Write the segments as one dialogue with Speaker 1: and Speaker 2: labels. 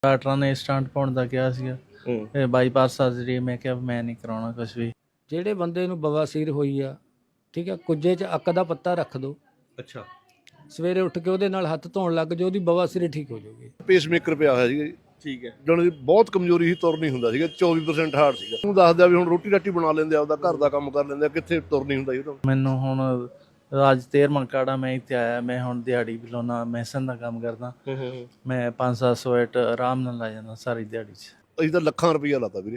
Speaker 1: ਡਾਕਟਰਾਂ ਨੇ ਸਟੰਟ ਪਾਉਣ ਦਾ ਕਿਹਾ ਸੀਗਾ, ਇਹ ਬਾਈਪਾਸ ਸਰਜਰੀ। ਮੈਂ ਕਿਹਾ ਮੈਂ ਨਹੀਂ ਕਰਾਉਣਾ ਕੁਛ ਵੀ।
Speaker 2: ਜਿਹੜੇ ਬੰਦੇ ਨੂੰ ਬਵਾਸੀਰ ਹੋਈ ਆ, ਠੀਕ ਆ, ਕੁੱਜੇ 'ਚ ਅੱਕ ਦਾ ਪੱਤਾ ਰੱਖ ਦਿਓ।
Speaker 3: ਅੱਛਾ,
Speaker 2: ਸਵੇਰੇ ਉੱਠ ਕੇ ਉਹਦੇ ਨਾਲ ਹੱਥ ਧੋਣ ਲੱਗ ਜਾਓ, ਉਹਦੀ ਬਵਾਸੀਰ ਠੀਕ ਹੋ ਜਾਊਗੀ।
Speaker 4: ਪੇਸਮੇਕਰ ਪਿਆ ਹੋਇਆ ਸੀਗਾ ਜੀ।
Speaker 3: ਠੀਕ ਹੈ।
Speaker 4: ਜਣ ਦੀ ਬਹੁਤ ਕਮਜ਼ੋਰੀ ਸੀ, ਤੁਰ ਨਹੀਂ ਹੁੰਦਾ ਸੀਗਾ। 24% ਹਾਰਟ ਸੀਗਾ। ਉਹਨੂੰ ਦੱਸਦਿਆ ਵੀ ਹੁਣ ਰੋਟੀ ਰਾਟੀ ਬਣਾ ਲੈਂਦੇ, ਆਪਦਾ ਘਰ ਦਾ ਕੰਮ ਕਰ ਲੈਂਦੇ, ਕਿੱਥੇ ਤੁਰ ਨਹੀਂ ਹੁੰਦਾ ਜੀ ਉਹਦਾ।
Speaker 1: ਮੈਨੂੰ ਹੁਣ ਅੱਜ 13ਵਾਂ ਕਾੜਾ ਮੈਂ ਇੱਥੇ ਆਇਆ। ਮੈਂ ਹੁਣ ਦਿਹਾੜੀ ਵੀ ਲਾਉਣਾ, ਮੈਸਨ ਦਾ ਕੰਮ ਕਰਦਾ। ਮੈਂ 500-700 ਐਟ ਆਰਾਮ ਨਾਲ ਲਾ ਜਾਂਦਾ ਸਾਰੀ ਦਿਹਾੜੀ 'ਚ।
Speaker 4: ਅਸੀਂ ਤਾਂ ਲੱਖਾਂ ਰੁਪਈਆ ਲਾਤਾ ਵੀਰੇ।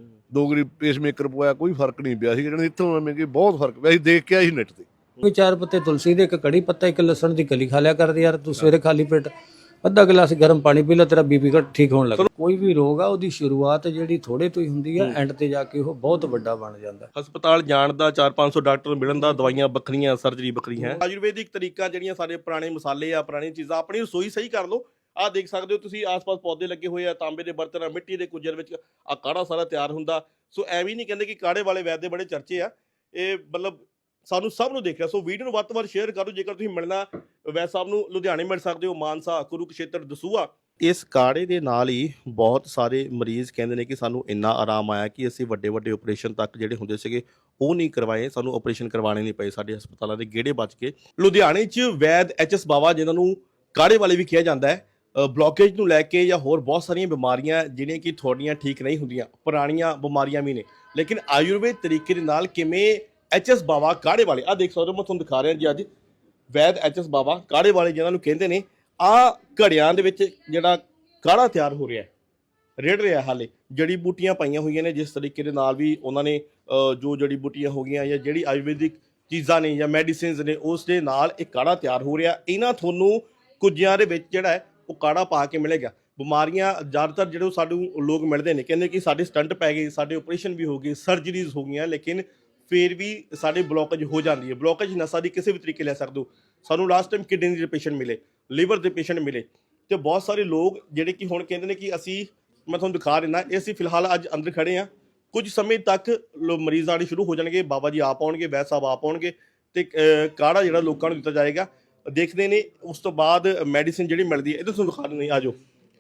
Speaker 4: 2 ਗਰੀ ਪੇਸਮੇਕਰ ਪਵਾਇਆ, ਕੋਈ ਫਰਕ ਨਹੀਂ ਪਿਆ ਸੀ। ਜਣ ਇੱਥੋਂ ਐਵੇਂ ਕਿ ਬਹੁਤ ਫਰਕ ਪਿਆ। ਅਸੀਂ ਦੇਖ ਕੇ ਆਏ ਸੀ ਨੈਟ ਤੇ।
Speaker 2: ਕੋਈ 4 ਪੱਤੇ ਤੁਲਸੀ ਦੇ, 1 ਕੜੀ ਪੱਤਾ, 1 ਲਸਣ ਦੀ ਕਲੀ ਖਾ ਲਿਆ ਕਰਦੇ ਯਾਰ। ਤੂੰ ਸਵੇਰੇ ਖਾਲੀ ਪੇਟ ਅੱਧਾ ਗਲਾਸ ਗਰਮ ਪਾਣੀ ਪੀ ਲੈ, ਤੇਰਾ ਬੀਪੀ ਘਟ ਠੀਕ ਹੋਣ ਲੱਗ। ਕੋਈ ਵੀ ਰੋਗ ਆ ਉਹਦੀ ਸ਼ੁਰੂਆਤ ਜਿਹੜੀ ਥੋੜੇ ਤੋਂ ਹੀ ਹੁੰਦੀ ਆ, ਐਂਡ ਤੇ ਜਾ ਕੇ ਉਹ ਬਹੁਤ ਵੱਡਾ ਬਣ ਜਾਂਦਾ।
Speaker 3: ਹਸਪਤਾਲ ਜਾਣ ਦਾ 400-500 ਡਾਕਟਰ ਮਿਲਣ ਦਾ, ਦਵਾਈਆਂ ਵੱਖਰੀਆਂ, ਸਰਜਰੀ ਵੱਖਰੀ ਹੈ। ਆਯੁਰਵੈਦਿਕ ਤਰੀਕਾ ਜਿਹੜੀਆਂ ਸਾਡੇ ਪੁਰਾਣੇ ਮਸਾਲੇ ਆ, ਪੁਰਾਣੀਆਂ ਚੀਜ਼ਾਂ, ਆਪਣੀ ਰਸੋਈ ਸਹੀ ਕਰ ਲਓ। ਆਹ ਦੇਖ ਸਕਦੇ ਹੋ ਤੁਸੀਂ, ਆਸ-ਪਾਸ ਪੌਦੇ ਲੱਗੇ ਹੋਏ ਆ, ਤਾਂਬੇ ਦੇ ਬਰਤਨ, ਮਿੱਟੀ ਦੇ ਕੁੱਜਰ ਵਿੱਚ ਆ ਕਾੜਾ ਸਾਰਾ ਤਿਆਰ ਹੁੰਦਾ। ਸੋ ਐਵੇਂ ਨਹੀਂ ਕਹਿੰਦੇ ਕਿ ਕਾੜੇ ਵਾਲੇ ਵੈਦ ਦੇ ਬੜੇ ਚਰਚੇ ਆ। ਇਹ ਮਤਲਬ ਸਾਨੂੰ ਸਭ ਨੂੰ ਦੇਖ ਰਿਹਾ। ਸੋ ਵੀਡੀਓ ਨੂੰ ਵੱਧ ਤੋਂ ਵੱਧ ਸ਼ੇਅਰ ਕਰੋ। ਜੇਕਰ ਤੁਸੀਂ ਮਿਲਣਾ ਵੈਦ ਸਾਹਿਬ ਨੂੰ ਲੁਧਿਆਣੇ ਮਿਲ ਸਕਦੇ ਹੋ, ਮਾਨਸਾ, ਕੁਰੂਕਸ਼ੇਤਰ, ਦਸੂਹਾ। ਇਸ ਕਾੜੇ ਦੇ ਨਾਲ ਹੀ ਬਹੁਤ ਸਾਰੇ ਮਰੀਜ਼ ਕਹਿੰਦੇ ਨੇ ਕਿ ਸਾਨੂੰ ਇੰਨਾ ਆਰਾਮ ਆਇਆ ਕਿ ਅਸੀਂ ਵੱਡੇ ਵੱਡੇ ਆਪਰੇਸ਼ਨ ਤੱਕ ਜਿਹੜੇ ਹੁੰਦੇ ਸੀਗੇ ਉਹ ਨਹੀਂ ਕਰਵਾਏ, ਸਾਨੂੰ ਆਪਰੇਸ਼ਨ ਕਰਵਾਉਣੇ ਨਹੀਂ ਪਏ, ਸਾਡੇ ਹਸਪਤਾਲਾਂ ਦੇ ਗੇੜੇ ਬਚ ਕੇ। ਲੁਧਿਆਣੇ 'ਚ ਵੈਦ HS ਬਾਵਾ, ਜਿਨ੍ਹਾਂ ਨੂੰ ਕਾੜੇ ਵਾਲੇ ਵੀ ਕਿਹਾ ਜਾਂਦਾ ਹੈ, ਬਲੌਕੇਜ ਨੂੰ ਲੈ ਕੇ ਜਾਂ ਹੋਰ ਬਹੁਤ ਸਾਰੀਆਂ ਬਿਮਾਰੀਆਂ ਜਿਹੜੀਆਂ ਕਿ ਤੁਹਾਡੀਆਂ ਠੀਕ ਨਹੀਂ ਹੁੰਦੀਆਂ, ਪੁਰਾਣੀਆਂ ਬਿਮਾਰੀਆਂ ਵੀ ਨੇ, ਲੇਕਿਨ ਆਯੁਰਵੇਦ ਤਰੀਕੇ ਦੇ ਨਾਲ ਕਿਵੇਂ HS ਬਾਵਾ ਕਾੜੇ ਵਾਲੇ, ਆ ਦੇਖ ਸਕਦੇ ਹੋ, ਮੈਂ ਤੁਹਾਨੂੰ ਦਿਖਾ ਰਿਹਾ ਜੀ ਅੱਜ ਵੈਦ HS ਬਾਵਾ ਕਾੜੇ ਵਾਲੇ ਜਿਹਨਾਂ ਨੂੰ ਕਹਿੰਦੇ ਨੇ। ਆ ਘੜਿਆਂ ਦੇ ਵਿੱਚ ਜਿਹੜਾ ਕਾੜਾ ਤਿਆਰ ਹੋ ਰਿਹਾ, ਰੇੜ ਰਿਹਾ, ਹਾਲੇ ਜੜੀ ਬੂਟੀਆਂ ਪਾਈਆਂ ਹੋਈਆਂ ਨੇ। ਜਿਸ ਤਰੀਕੇ ਦੇ ਨਾਲ ਵੀ ਉਹਨਾਂ ਨੇ ਜੋ ਜੜੀ ਬੂਟੀਆਂ ਹੋ ਗਈਆਂ ਜਾਂ ਜਿਹੜੀ ਆਯੁਰਵੈਦਿਕ ਚੀਜ਼ਾਂ ਨੇ ਜਾਂ ਮੈਡੀਸਿਨਸ ਨੇ, ਉਸ ਦੇ ਨਾਲ ਇੱਕ ਕਾੜਾ ਤਿਆਰ ਹੋ ਰਿਹਾ। ਇਹਨਾਂ ਤੁਹਾਨੂੰ ਕੁੱਜਿਆਂ ਦੇ ਵਿੱਚ ਜਿਹੜਾ ਹੈ ਉਹ ਕਾੜਾ ਪਾ ਕੇ ਮਿਲੇਗਾ। ਬਿਮਾਰੀਆਂ ਜ਼ਿਆਦਾਤਰ ਜਿਹੜੇ ਸਾਨੂੰ ਲੋਕ ਮਿਲਦੇ ਨੇ, ਕਹਿੰਦੇ ਕਿ ਸਾਡੇ ਸਟੰਟ ਪੈ ਗਏ, ਸਾਡੇ ਆਪਰੇਸ਼ਨ ਵੀ ਹੋ ਗਏ, ਸਰਜਰੀਜ਼ ਹੋ ਗਈਆਂ, ਲੇਕਿਨ ਫਿਰ ਵੀ ਸਾਡੇ ਬਲੌਕੇਜ ਹੋ ਜਾਂਦੀ ਹੈ। ਬਲੌਕੇਜ ਨਸਾਂ ਦੀ ਕਿਸੇ ਵੀ ਤਰੀਕੇ ਲੈ ਸਕਦੇ ਹੋ। ਸਾਨੂੰ ਲਾਸਟ ਟਾਈਮ ਕਿਡਨੀ ਦੇ ਪੇਸ਼ੈਂਟ ਮਿਲੇ, ਲੀਵਰ ਦੇ ਪੇਸ਼ੈਂਟ ਮਿਲੇ, ਤੇ ਬਹੁਤ ਸਾਰੇ ਲੋਕ ਜਿਹੜੇ ਕਿ ਹੁਣ ਕਹਿੰਦੇ ਨੇ ਕਿ ਅਸੀਂ, ਮੈਂ ਤੁਹਾਨੂੰ ਦਿਖਾ ਰਿਹਾ, ਇਹ ਅਸੀਂ ਫਿਲਹਾਲ ਅੱਜ ਅੰਦਰ ਖੜੇ ਹਾਂ। ਕੁਝ ਸਮੇਂ ਤੱਕ ਮਰੀਜ਼ ਆਉਣੇ ਸ਼ੁਰੂ ਹੋ ਜਾਣਗੇ। ਬਾਬਾ ਜੀ ਆਪ ਆਉਣਗੇ, ਵੈਦ ਸਾਹਿਬ ਆਪ ਆਉਣਗੇ, ਤੇ ਕਾੜਾ ਜਿਹੜਾ ਲੋਕਾਂ ਨੂੰ ਦਿੱਤਾ ਜਾਏਗਾ, ਦੇਖਦੇ ਨੇ। ਉਸ ਤੋਂ ਬਾਅਦ ਮੈਡੀਸਿਨ ਜਿਹੜੀ ਮਿਲਦੀ ਹੈ, ਇਹ ਤੁਹਾਨੂੰ ਦਿਖਾ ਦਿੰਦੇ ਆ ਜਾਓ।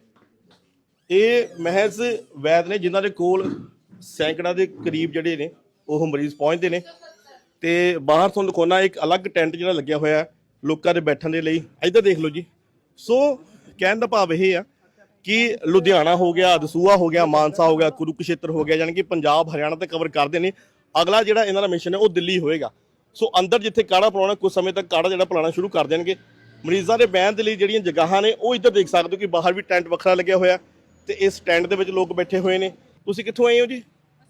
Speaker 3: ਇਹ ਮਹਿਜ਼ ਵੈਦ ਨੇ ਜਿਨ੍ਹਾਂ ਦੇ ਕੋਲ ਸੈਂਕੜਾ ਦੇ ਕਰੀਬ ਜਿਹੜੇ ਨੇ ਉਹ ਮਰੀਜ਼ ਪਹੁੰਚਦੇ ਨੇ। ਤੇ ਬਾਹਰ ਤੁਹਾਨੂੰ ਦਿਖਾਉਣਾ ਇੱਕ ਅਲੱਗ ਟੈਂਟ ਜਿਹੜਾ ਲੱਗਿਆ ਹੋਇਆ ਲੋਕਾਂ ਦੇ ਬੈਠਣ ਦੇ ਲਈ। ਇੱਧਰ ਦੇਖ ਲਓ ਜੀ। ਸੋ ਕਹਿਣ ਦਾ ਭਾਵ ਇਹ ਆ ਕਿ ਲੁਧਿਆਣਾ ਹੋ ਗਿਆ, ਦਸੂਹਾ ਹੋ ਗਿਆ, ਮਾਨਸਾ ਹੋ ਗਿਆ, ਕੁਰੂਕਸ਼ੇਤਰ ਹੋ ਗਿਆ, ਯਾਨੀ ਕਿ ਪੰਜਾਬ, ਹਰਿਆਣਾ ਤੇ ਕਵਰ ਕਰਦੇ ਨੇ। ਅਗਲਾ ਜਿਹੜਾ ਇਹਨਾਂ ਦਾ ਮਿਸ਼ਨ ਹੈ ਉਹ ਦਿੱਲੀ ਹੋਏਗਾ। ਸੋ ਅੰਦਰ ਜਿੱਥੇ ਕਾੜਾ ਪਿਲਾਉਣਾ, ਕੁਝ ਸਮੇਂ ਤੱਕ ਕਾੜਾ ਜਿਹੜਾ ਪਿਲਾਉਣਾ ਸ਼ੁਰੂ ਕਰ ਦੇਣਗੇ। ਮਰੀਜ਼ਾਂ ਦੇ ਬਹਿਣ ਦੇ ਲਈ ਜਿਹੜੀਆਂ ਜਗ੍ਹਾਵਾਂ ਨੇ ਉਹ ਇੱਧਰ ਦੇਖ ਸਕਦੇ ਹੋ ਕਿ ਬਾਹਰ ਵੀ ਟੈਂਟ ਵੱਖਰਾ ਲੱਗਿਆ ਹੋਇਆ, ਤੇ ਇਸ ਟੈਂਟ ਦੇ ਵਿੱਚ ਲੋਕ ਬੈਠੇ ਹੋਏ ਨੇ। ਤੁਸੀਂ ਕਿੱਥੋਂ ਆਏ ਹੋ ਜੀ?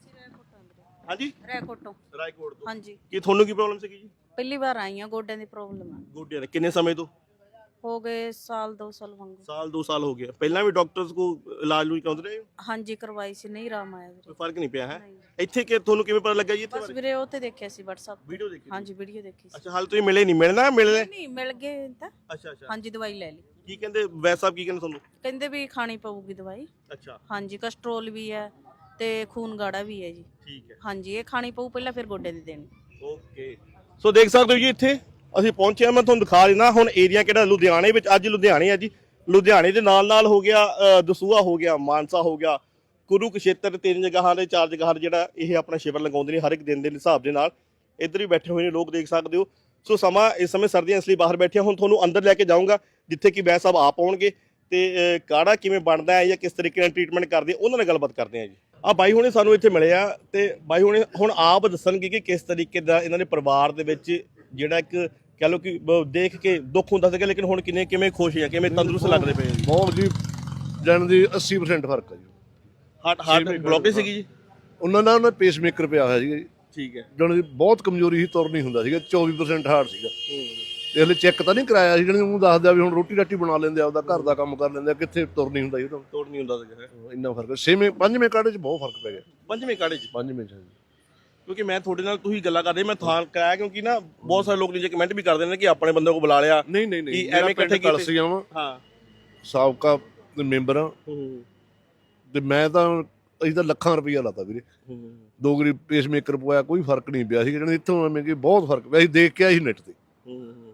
Speaker 3: ਹਾਂਜੀ, ਰਾਏਕੋਟ ਤੋਂ।
Speaker 5: ਹਾਂਜੀ।
Speaker 3: ਕੀ ਤੁਹਾਨੂੰ ਕੀ ਪ੍ਰੋਬਲਮ ਸੀਗੀ ਜੀ?
Speaker 5: ਪਹਿਲੀ ਵਾਰ ਆਈ ਆ, ਗੋਡਿਆਂ ਦੀ ਪ੍ਰੋਬਲਮ ਆ।
Speaker 3: ਗੋਡਿਆਂ ਦੇ ਕਿੰਨੇ ਸਮੇਂ ਤੋਂ?
Speaker 5: ਹੋ ਗਏ ਸਾਲ 2 ਸਾਲ ਵਾਂਗੂ।
Speaker 3: ਸਾਲ 2 ਸਾਲ ਹੋ ਗਏ। ਪਹਿਲਾਂ ਵੀ ਡਾਕਟਰਸ ਕੋ ਇਲਾਜ ਲੂਜ ਕਰਾਉਂਦੇ ਰਹੇ ਹੋ?
Speaker 5: ਹਾਂਜੀ, ਕਰਵਾਈ ਸੀ, ਨਹੀਂ ਆਰਾਮ ਆਇਆ ਵੀਰੇ।
Speaker 3: ਕੋਈ ਫਰਕ ਨਹੀਂ ਪਿਆ ਹੈ?
Speaker 5: ਨਹੀਂ।
Speaker 3: ਇੱਥੇ ਕਿ ਤੁਹਾਨੂੰ ਕਿਵੇਂ ਪਤਾ ਲੱਗਾ ਜੀ ਇੱਥੇ
Speaker 5: ਬਸ
Speaker 3: ਬਾਰੇ?
Speaker 5: ਵੀਰੇ ਉਹ ਤੇ ਦੇਖਿਆ ਸੀ WhatsApp ਤੇ।
Speaker 3: ਵੀਡੀਓ ਦੇਖੀ?
Speaker 5: ਹਾਂਜੀ, ਵੀਡੀਓ ਦੇਖੀ ਸੀ।
Speaker 3: ਅੱਛਾ, ਹਾਲ ਤੁਸੀਂ ਮਿਲੇ ਨਹੀਂ? ਮਿਲਣਾ, ਮਿਲਣੇ?
Speaker 5: ਨਹੀਂ, ਮਿਲ ਗਏ ਤਾਂ।
Speaker 3: ਅੱਛਾ ਅੱਛਾ।
Speaker 5: ਹਾਂਜੀ, ਦਵਾਈ ਲੈ ਲਈ।
Speaker 3: ਕੀ ਕਹਿੰਦੇ ਵੈਦ ਸਾਹਿਬ, ਕੀ ਕਹਿੰਦੇ ਤੁਹਾਨੂੰ?
Speaker 5: ਕਹਿੰਦੇ ਵੀ ਖਾਣੀ ਪਊਗੀ ਦਵਾਈ।
Speaker 3: ਅੱਛਾ,
Speaker 5: ਹਾਂਜੀ, ਕਸਟਰੋਲ ਵੀ ਹੈ ਤੇ ਖੂਨ ਗਾੜਾ ਵੀ ਹੈ ਜੀ।
Speaker 3: ਠੀਕ ਹੈ।
Speaker 5: ਹਾਂਜੀ, ਇਹ ਖਾਣੀ ਪਊ ਪਹਿਲਾਂ, ਫਿਰ ਗੋਡੇ ਦੀ ਦੇਣੀ।
Speaker 3: ਓਕੇ। ਸੋ ਦੇਖ ਸਕਦੇ ਹੋ ਜੀ, ਇੱਥੇ ਅਸੀਂ ਪਹੁੰਚੇ ਹਾਂ। ਮੈਂ ਤੁਹਾਨੂੰ ਦਿਖਾ ਦਿੰਦਾ ਹੁਣ ਏਰੀਆ ਕਿਹੜਾ ਲੁਧਿਆਣੇ ਵਿੱਚ। ਅੱਜ ਲੁਧਿਆਣੇ ਆ ਜੀ। ਲੁਧਿਆਣੇ ਦੇ ਨਾਲ ਨਾਲ ਹੋ ਗਿਆ ਦਸੂਹਾ ਹੋ ਗਿਆ, ਮਾਨਸਾ ਹੋ ਗਿਆ, ਕੁਰੂਕਸ਼ੇਤਰ। 3 ਜਗ੍ਹਾ ਦੇ 4 ਜਗ੍ਹਾ ਜਿਹੜਾ ਇਹ ਆਪਣਾ ਸ਼ਿਵਰ ਲਗਾਉਂਦੇ ਨੇ ਹਰ ਇੱਕ ਦਿਨ ਦੇ ਹਿਸਾਬ ਦੇ ਨਾਲ। ਇੱਧਰ ਵੀ ਬੈਠੇ ਹੋਏ ਨੇ ਲੋਕ, ਦੇਖ ਸਕਦੇ ਹੋ। ਸੋ ਸਮਾਂ ਇਸ ਸਮੇਂ ਸਰਦੀਆਂ, ਇਸ ਲਈ ਬਾਹਰ ਬੈਠੇ। ਹੁਣ ਤੁਹਾਨੂੰ ਅੰਦਰ ਲੈ ਕੇ ਜਾਊਂਗਾ ਜਿੱਥੇ ਕਿ ਵੈਦ ਸਾਹਿਬ ਆਪ ਆਉਣਗੇ, ਤੇ ਕਾੜਾ ਕਿਵੇਂ ਬਣਦਾ ਹੈ ਜਾਂ ਕਿਸ ਤਰੀਕੇ ਨਾਲ ਟ੍ਰੀਟਮੈਂਟ ਕਰਦੇ ਉਹਨਾਂ ਨਾਲ ਗੱਲਬਾਤ ਕਰਦੇ ਆ ਜੀ। ਆ ਬਾਈ ਹੁਣੇ ਸਾਨੂੰ ਇੱਥੇ ਮਿਲੇ ਆ, ਤੇ ਬਾਈ ਹੁਣੇ ਹੁਣ ਆਪ ਦੱਸਣਗੇ ਕਿ ਕਿਸ ਤਰੀਕੇ ਦਾ ਇਹਨਾਂ ਦੇ ਪਰਿਵਾਰ ਦੇ ਵਿੱਚ ਜਿਹੜਾ ਇੱਕ ਕਹਿ ਲਓ ਕਿ ਦੇਖ ਕੇ ਦੁੱਖ ਹੁੰਦਾ ਸੀਗਾ, ਲੇਕਿਨ ਹੁਣ ਕਿਵੇਂ ਖੁਸ਼ ਆ, ਕਿਵੇਂ ਤੰਦਰੁਸਤ ਲੱਗਦੇ ਪਏ ਜੀ?
Speaker 4: ਬਹੁਤ ਜੀ, ਜਣ ਦੀ 80% ਫਰਕ ਹੈ ਜੀ।
Speaker 3: ਹਾਰਟ ਬਲੌਕੇਜ ਸੀਗੀ ਜੀ
Speaker 4: ਉਹਨਾਂ ਦਾ, ਉਹਨਾਂ ਪੇਸਮੇਕਰ ਪਿਆ ਹੋਇਆ ਸੀਗਾ ਜੀ।
Speaker 3: ਠੀਕ ਹੈ।
Speaker 4: ਜਣ ਦੀ ਬਹੁਤ ਕਮਜ਼ੋਰੀ ਸੀ, ਤੁਰ ਨਹੀਂ ਹੁੰਦਾ ਸੀਗਾ। 24% ਹਾਰਟ ਸੀਗਾ। ਤੇ ਹਲੇ ਚੈੱਕ ਤਾਂ ਨਹੀਂ ਕਰਾਇਆ ਸੀ। ਜਣ ਉਹਨੂੰ ਦੱਸਦਿਆ ਵੀ ਹੁਣ ਰੋਟੀ ਰਾਟੀ ਬਣਾ ਲੈਂਦੇ, ਆਪਦਾ ਘਰ ਦਾ ਕੰਮ ਕਰ ਲੈਂਦੇ, ਕਿੱਥੇ ਤੁਰ ਨਹੀਂ ਹੁੰਦਾ ਜੀ ਉਹਦਾ।
Speaker 3: ਤੋੜ ਨਹੀਂ ਹੁੰਦਾ ਸੀਗਾ।
Speaker 4: ਇੰਨਾ ਫਰਕ। 6ਵੇਂ 5ਵੇਂ ਕਾੜੇ 'ਚ ਬਹੁਤ ਫਰਕ ਪੈ ਗਿਆ।
Speaker 3: 5ਵੇਂ ਕਾੜੇ 'ਚ?
Speaker 4: 5ਵੇਂ 'ਚ
Speaker 3: ਕਿਉਂਕਿ ਮੈਂ ਤੁਹਾਡੇ ਨਾਲ ਤੁਸੀਂ ਗੱਲਾਂ ਕਰਦੇ, ਮੈਂ ਥਾਂ ਕਰਾਇਆ ਕਿਉਂਕਿ ਨਾ ਬਹੁਤ ਸਾਰੇ ਲੋਕ ਨੀਚੇ ਕਮੈਂਟ ਵੀ ਕਰਦੇ ਨੇ ਕਿ ਆਪਣੇ ਬੰਦੇ ਕੋਲ ਬੁਲਾ ਲਿਆ।
Speaker 4: ਨਹੀਂ,
Speaker 3: ਐਵੇਂ ਇਕੱਠੇ
Speaker 4: ਕਲਸੀਆਂ ਵਾ।
Speaker 3: ਹਾਂ,
Speaker 4: ਸਾਬਕਾ ਮੈਂਬਰ ਆ, ਤੇ ਮੈਂ ਤਾਂ, ਅਸੀਂ ਤਾਂ ਲੱਖਾਂ ਰੁਪਈਆ ਲਾਤਾ ਵੀਰੇ। 2 ਗਰੀ ਪੇਸਮੇਕਰ ਪਵਾਇਆ, ਕੋਈ ਫਰਕ ਨਹੀਂ ਪਿਆ ਸੀ। ਜਣ ਇੱਥੋਂ ਐਵੇਂ ਕਿ ਬਹੁਤ ਫਰਕ ਪਿਆ। ਅਸੀਂ ਦੇਖ ਕੇ ਆਏ ਸੀ ਨੈਟ ਤੇ।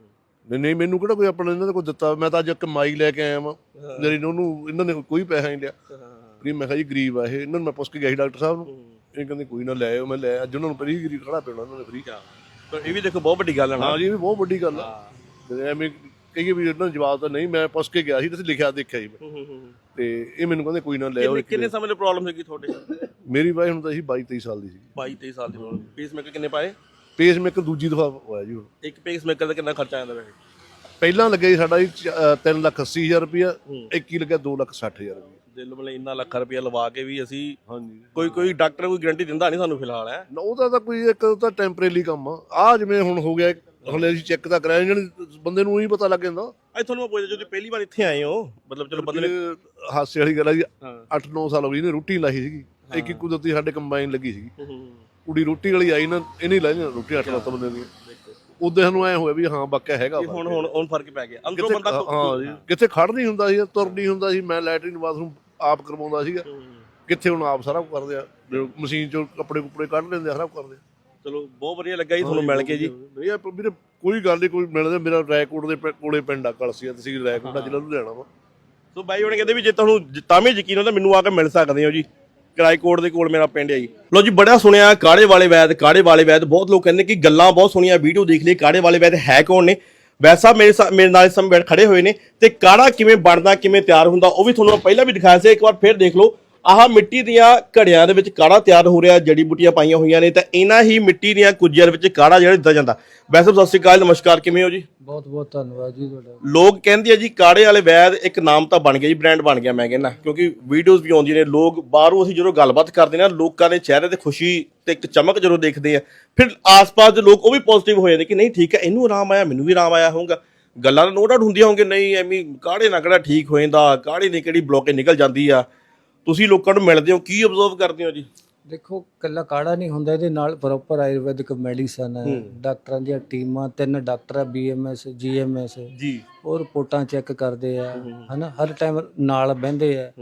Speaker 4: ਨਹੀਂ ਮੈਨੂੰ ਕਿਹੜਾ ਕੋਈ ਆਪਣਾ ਇਹਨਾਂ ਦਾ ਕੋਈ ਦਿੱਤਾ, ਮੈਂ ਤਾਂ ਅੱਜ ਇੱਕ ਮਾਈ ਲੈ ਕੇ ਆਇਆ ਵਾਂ ਮੇਰੀ ਉਹਨੂੰ ਇਹਨਾਂ ਨੇ ਕੋਈ ਪੈਸਾ ਨਹੀਂ ਲਿਆ ਫਰੀ। ਮੈਂ ਕਿਹਾ ਜੀ ਗਰੀਬ ਆ ਇਹ, ਇਹਨਾਂ ਨੂੰ ਮੈਂ ਪੁੱਛ ਕੇ ਗਿਆ ਸੀ ਡਾਕਟਰ ਸਾਹਿਬ ਨੂੰ, ਇਹ ਕਹਿੰਦੇ ਕੋਈ ਨਾ ਲੈ ਆਇਓ। ਮੈਂ ਲੈ ਅੱਜ ਉਹਨਾਂ ਨੂੰ ਫਰੀ ਗਰੀਬ ਖੜਾ ਪਿਆ ਉਹਨਾਂ ਨੇ ਫਰੀ।
Speaker 3: ਪਰ ਇਹ ਵੀ ਦੇਖੋ ਬਹੁਤ ਵੱਡੀ ਗੱਲ ਹੈ ਨਾ।
Speaker 4: ਹਾਂ ਜੀ, ਇਹ ਵੀ ਬਹੁਤ ਵੱਡੀ ਗੱਲ ਆ। ਤੇ ਐਵੇਂ ਕਹੀਏ ਵੀ ਇਹਨਾਂ ਨੂੰ ਜਵਾਬ ਤਾਂ ਨਹੀਂ, ਮੈਂ ਪੁੱਛ ਕੇ ਗਿਆ ਸੀ, ਤੁਸੀਂ ਲਿਖਿਆ ਦੇਖਿਆ ਜੀ ਮੈਂ, ਤੇ ਇਹ ਮੈਨੂੰ ਕਹਿੰਦੇ ਕੋਈ ਨਾ ਲੈ ਆਓ।
Speaker 3: ਕਿੰਨੇ ਸਮੇਂ ਦੀ ਪ੍ਰੋਬਲਮ ਸੀਗੀ ਤੁਹਾਡੇ?
Speaker 4: ਮੇਰੀ ਵਾਈ ਹੁਣ ਤਾਂ ਸੀ 22-23 ਸਾਲ ਦੀ ਸੀ।
Speaker 3: 22-23 ਸਾਲ ਦੀ ਪ੍ਰੋਬਲਮ। ਪੇਸਮੇਕਰ ਕਿੰਨੇ ਪਾਏ?
Speaker 4: ਪੇਸਮੇਕਰ ਦੂਜੀ ਦਫਾ ਹੋਇਆ ਜੀ ਹੁਣ।
Speaker 3: ਇੱਕ ਪੇਸਮੇਕਰ ਦਾ ਕਿੰਨਾ ਖਰਚਾ ਆਉਂਦਾ ਵੈਸੇ?
Speaker 4: ਪਹਿਲਾਂ ਲੱਗਿਆ ਜੀ ਸਾਡਾ ਜੀ 3,80,000 ਰੁਪਇਆ, ਇੱਕ ਹੀ ਲੱਗਿਆ 2,60,000 ਰੁਪਇਆ।
Speaker 3: ਦਿਲ ਮਤਲਬ ਇੰਨਾ ਲੱਖ ਰੁਪਇਆ ਲਵਾ ਕੇ ਵੀ ਅਸੀਂ
Speaker 4: ਹਾਂਜੀ,
Speaker 3: ਕੋਈ ਡਾਕਟਰ ਕੋਈ ਗਾਰੰਟੀ ਦਿੰਦਾ ਨਹੀਂ ਸਾਨੂੰ ਫਿਲਹਾਲ ਹੈ।
Speaker 4: ਉਹਦਾ ਤਾਂ ਕੋਈ ਇੱਕ ਤਾਂ ਟੈਂਪਰੇਰੀ ਕੰਮ ਆ ਜਿਵੇਂ ਹੁਣ ਹੋ ਗਿਆ, ਹਲੇ ਅਸੀਂ ਚੈੱਕ ਤਾਂ ਕਰਾਇਆ, ਜਿਹੜੇ ਬੰਦੇ ਨੂੰ ਹੀ ਪਤਾ ਲੱਗ ਜਾਂਦਾ।
Speaker 3: ਅੱਜ ਤੁਹਾਨੂੰ ਮੈਂ ਪੁੱਛਦਾ, ਜਦੋਂ ਪਹਿਲੀ ਵਾਰ ਇੱਥੇ ਆਏ ਹੋ, ਮਤਲਬ ਚਲੋ ਬੰਦੇ ਨੇ
Speaker 4: ਹਾਸੇ ਵਾਲੀ ਗੱਲ ਆ ਜੀ, 8-9 ਸਾਲ ਹੋ ਗਏ ਇਹਨੇ ਰੋਟੀ ਲਾਈ ਸੀਗੀ, ਇੱਕ ਹੀ ਕੁਦਰਤੀ ਸਾਡੇ ਕੰਬਾਈਨ ਲੱਗੀ ਸੀਗੀ, ਕੁੜੀ ਰੋਟੀ ਵਾਲੀ ਆਈ ਨਾ, ਇਹਨੇ ਲਾਈ ਨਾ ਰੋਟੀ 8-9 ਬੰਦੇ ਦੀਆਂ। ਉਦੋਂ ਸਾਨੂੰ ਐ ਹੋਇਆ ਵੀ ਹਾਂ ਵਾਕਿਆ ਹੈਗਾ
Speaker 3: ਹੁਣ ਫਰਕ ਪੈ ਗਿਆ ਅੰਦਰੋਂ ਬੰਦਾ।
Speaker 4: ਹਾਂ ਜੀ, ਕਿੱਥੇ ਖੜ ਨਹੀਂ ਹੁੰਦਾ ਸੀ, ਤੁਰ ਨਹੀਂ ਹੁੰਦਾ ਸੀ, ਮੈਂ ਲੈਟਰਿਨ ਬਾਥਰੂਮ ਆਪ ਕਰਵਾਉਂਦਾ ਸੀਗਾ, ਕਿੱਥੇ ਹੁਣ ਆਪ ਸਾਰਾ ਕੁਝ ਕਰਦੇ ਆ, ਮਸ਼ੀਨ ਚੋਂ ਕੱਪੜੇ ਕੁਪੜੇ ਕੱਢ ਲੈਂਦੇ ਆ, ਸਾਰਾ ਕੁਝ ਕਰਦੇ ਆ।
Speaker 3: ਚਲੋ ਬਹੁਤ ਵਧੀਆ ਲੱਗਾ ਜੀ ਤੁਹਾਨੂੰ ਮਿਲ ਕੇ ਜੀ।
Speaker 4: ਨਹੀਂ ਆ ਵੀਰੇ ਕੋਈ ਗੱਲ ਨਹੀਂ, ਕੋਈ ਮਿਲਦਾ। ਮੇਰਾ ਰਾਏਕੋਟ ਦੇ ਕੋਲੇ ਪਿੰਡ ਆ ਕਲਸੀਆ, ਤਹਿਸੀਲ ਰਾਏਕੋਟ, ਜ਼ਿਲ੍ਹਾ ਲੁਧਿਆਣਾ ਵਾ।
Speaker 3: ਸੋ ਬਾਈ ਉਹਨੇ ਕਹਿੰਦੇ ਵੀ ਜੇ ਤੁਹਾਨੂੰ ਤਾਂ ਵੀ ਯਕੀਨ ਹੁੰਦਾ ਮੈਨੂੰ ਆ ਕੇ ਮਿਲ ਸਕਦੇ ਹੋ ਜੀ, ਰਾਏਕੋਟ ਦੇ ਕੋਲ ਮੇਰਾ ਪਿੰਡ ਹੈ ਜੀ। ਲੋ ਜੀ, ਬੜਾ ਸੁਣਿਆ ਕਾੜੇ ਵਾਲੇ ਵੈਦ, ਬਹੁਤ ਲੋਕ ਕਹਿੰਦੇ ਕਿ ਗੱਲਾਂ ਬਹੁਤ ਸੁਣੀਆਂ, ਵੀਡੀਓ ਦੇਖ ਲਈ। ਕਾੜੇ ਵਾਲੇ ਵੈਦ ਹੈ ਕੌਣ ਨੇ? ਵੈਸਾ ਮੇਰੇ ਨਾਲ ਇਸ ਸਮੇਂ ਖੜੇ ਹੋਏ ਨੇ, ਤੇ ਕਾੜਾ ਕਿਵੇਂ ਬਣਦਾ, ਕਿਵੇਂ ਤਿਆਰ ਹੁੰਦਾ, ਉਹ ਵੀ ਤੁਹਾਨੂੰ ਪਹਿਲਾਂ ਵੀ ਦਿਖਾਇਆ ਸੀ। ਇੱਕ ਵਾਰ ਫਿਰ ਦੇਖ ਲਓ। ਆਹ ਮਿੱਟੀ ਦੀਆਂ ਘੜਿਆਂ ਦੇ ਵਿੱਚ ਕਾੜਾ ਤਿਆਰ ਹੋ ਰਿਹਾ, ਜੜੀ ਬੂਟੀਆਂ ਪਾਈਆਂ ਹੋਈਆਂ ਨੇ, ਤਾਂ ਇਹਨਾਂ ਹੀ ਮਿੱਟੀ ਦੀਆਂ ਕੁੱਜੀਆਂ ਦੇ ਵਿੱਚ ਕਾੜਾ ਜਿਹੜਾ ਦਿੱਤਾ ਜਾਂਦਾ। ਵੈਸੇ ਸਤਿ ਸ਼੍ਰੀ ਅਕਾਲ, ਨਮਸਕਾਰ, ਕਿਵੇਂ ਹੋ ਜੀ?
Speaker 2: ਬਹੁਤ ਬਹੁਤ ਧੰਨਵਾਦ ਜੀ ਤੁਹਾਡਾ।
Speaker 3: ਲੋਕ ਕਹਿੰਦੇ ਆ ਜੀ ਕਾੜੇ ਵਾਲੇ ਵੈਦ ਇੱਕ ਨਾਮ ਤਾਂ ਬਣ ਗਿਆ ਜੀ, ਬ੍ਰਾਂਡ ਬਣ ਗਿਆ ਮੈਂ ਕਹਿੰਦਾ, ਕਿਉਂਕਿ ਵੀਡੀਓਜ਼ ਵੀ ਆਉਂਦੀਆਂ ਨੇ, ਲੋਕ ਬਾਹਰੋਂ ਅਸੀਂ ਜਦੋਂ ਗੱਲਬਾਤ ਕਰਦੇ ਨਾ, ਲੋਕਾਂ ਦੇ ਚਿਹਰੇ ਤੇ ਖੁਸ਼ੀ ਤੇ ਇੱਕ ਚਮਕ ਜਦੋਂ ਦੇਖਦੇ ਆ, ਫਿਰ ਆਸ-ਪਾਸ ਦੇ ਲੋਕ ਉਹ ਵੀ ਪੋਜ਼ਿਟਿਵ ਹੋ ਜਾਂਦੇ ਕਿ ਨਹੀਂ ਠੀਕ ਹੈ, ਇਹਨੂੰ ਆਰਾਮ ਆਇਆ, ਮੈਨੂੰ ਵੀ ਆਰਾਮ ਆਇਆ ਹੋਊਗਾ। ਗੱਲਾਂ ਨੋ ਡਾਊਟ ਹੁੰਦੀਆਂ ਹੋਣਗੇ, ਨਹੀਂ ਐਵੇਂ ਕਾੜੇ ਨਾਲ ਕਿਹੜਾ ਠੀਕ ਹੋ ਜਾਂਦਾ, ਕਾੜੇ ਨੇ ਕਿਹੜੀ ਬਲੋਕੇ ਨਿਕਲ ਜਾਂਦੀ ਆ। ਤੁਸੀਂ ਲੋਕਾਂ ਨੂੰ ਮਿਲਦੇ ਹੋ, ਕੀ ਅਬਜ਼ਰਵ ਕਰਦੇ ਹੋ ਜੀ?
Speaker 2: ਦੇਖੋ, ਕੱਲਾ ਕਾੜਾ ਨਹੀਂ ਹੁੰਦਾ, ਇਹਦੇ ਨਾਲ ਪ੍ਰੋਪਰ ਆਯੁਰਵੈਦਿਕ ਮੈਡੀਸਨ ਹੈ, ਡਾਕਟਰਾਂ ਦੀਆਂ ਟੀਮਾਂ, 3 ਡਾਕਟਰ ਆ, BMS GMS
Speaker 3: ਜੀ,
Speaker 2: ਉਹ ਰਿਪੋਰਟਾਂ ਚੈੱਕ ਕਰਦੇ ਆ, ਹਨਾ, ਹਰ ਟਾਈਮ ਨਾਲ ਬਹਿੰਦੇ ਆ।